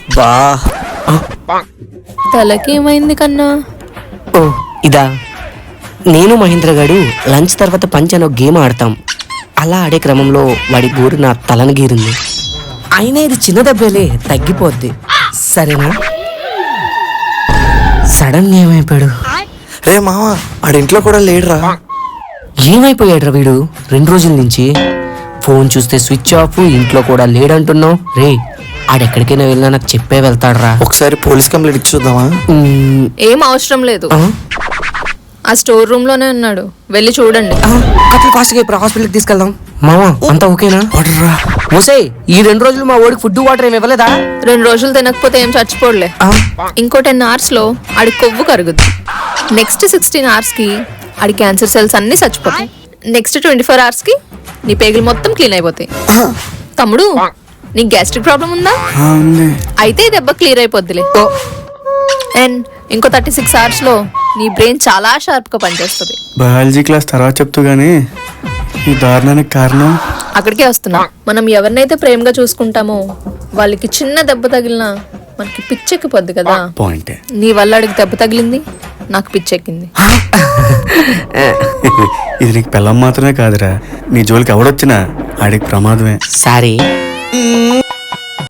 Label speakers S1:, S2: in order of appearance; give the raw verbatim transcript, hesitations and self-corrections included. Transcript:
S1: బా
S2: తలకేమైంది కన్నా?
S1: ఓ ఇదా, నేను మహేంద్ర గారు లంచ్ తర్వాత పంచ్ అనే గేమ్ ఆడతాం. అలా ఆడే క్రమంలో వాడి గోరు నా తలను గీరింది. అయినా ఇది చిన్న దెబ్బలే, తగ్గిపోద్ది సరేనా. సడన్ ఏమైపోయాడు?
S3: రే మామ, ఆడింట్లో కూడా లేడురా.
S1: ఏమైపోయాడురా వీడు? రెండు రోజుల నుంచి ఫోన్ చూస్తే స్విచ్ ఆఫ్, ఇంట్లో కూడా లేడంటున్నావు. రే ఆడెక్కడికైనా వెళ్ళినా నాకు చెప్పే వెళ్తాడురా.
S3: ఒకసారి పోలీస్ కంప్లైంట్ ఇచ్చి చూద్దామా?
S1: మ్మ్,
S2: ఏం అవసరం లేదు,
S1: ఆ?
S2: ఆ స్టోర్ రూమ్ లోనే ఉన్నాడు, వెళ్ళి చూడండి.
S1: ఆ, అట్లా ఫాస్ట్గా ఇప్పుడు హాస్పిటల్కి తీసుకెళ్దాం. మామా అంతా ఓకేనా?
S3: వాడురా.
S1: మోసే ఈ రెండు రోజులు మా ఓడికి ఫుడ్ వాటర్ ఏమి ఇవ్వలేదా?
S2: రెండు రోజులు తినకపోతే ఏం చచ్చిపోలే.
S1: ఆ,
S2: ఇంకో టెన్ అవర్స్ లో ఆడి కొవ్వు కరుగుద్ది. నెక్స్ట్ సిక్స్టీన్ అవర్స్ కి ఆడి క్యాన్సర్ సెల్స్ అన్ని చచ్చిపోతాయి. నెక్స్ట్ ట్వంటీ ఫోర్ అవర్స్ కి నీ పేగులు మొత్తం క్లీన్ అయిపోతాయి. తమ్ముడు, నీకు గ్యాస్ట్రిక్ ప్రాబ్లం ఉందా? అయితే ఈ దెబ్బ క్లియర్ అయిపోద్దిలే.
S1: ఓ,
S2: అండ్ ఇంకో థర్టీ సిక్స్ అవర్స్ లో నీ బ్రెయిన్ చాలా షార్ప్ గా పనిచేస్తుంది.
S4: బయాలజీ క్లాస్ తర్వాత చెప్తూ గానీ ఈ దారుణానికి కారణం
S2: అక్కడికే వస్తున్నా. మనం ఎవరినైతే ప్రేమగా చూసుకుంటామో వాళ్ళకి చిన్న దెబ్బ తగిలినా మనకి పిచ్చెక్కిపోద్ది కదా.
S4: పాయింటే.
S2: నీ వల్ల అడిగి దెబ్బ తగిలింది, నాకు పిచ్చెక్కింది.
S4: ఇది నీకు పిల్లం మాత్రమే కాదురా, నీ జోలికి ఎవడొచ్చినా ఆడికి ప్రమాదమే.
S1: సారీ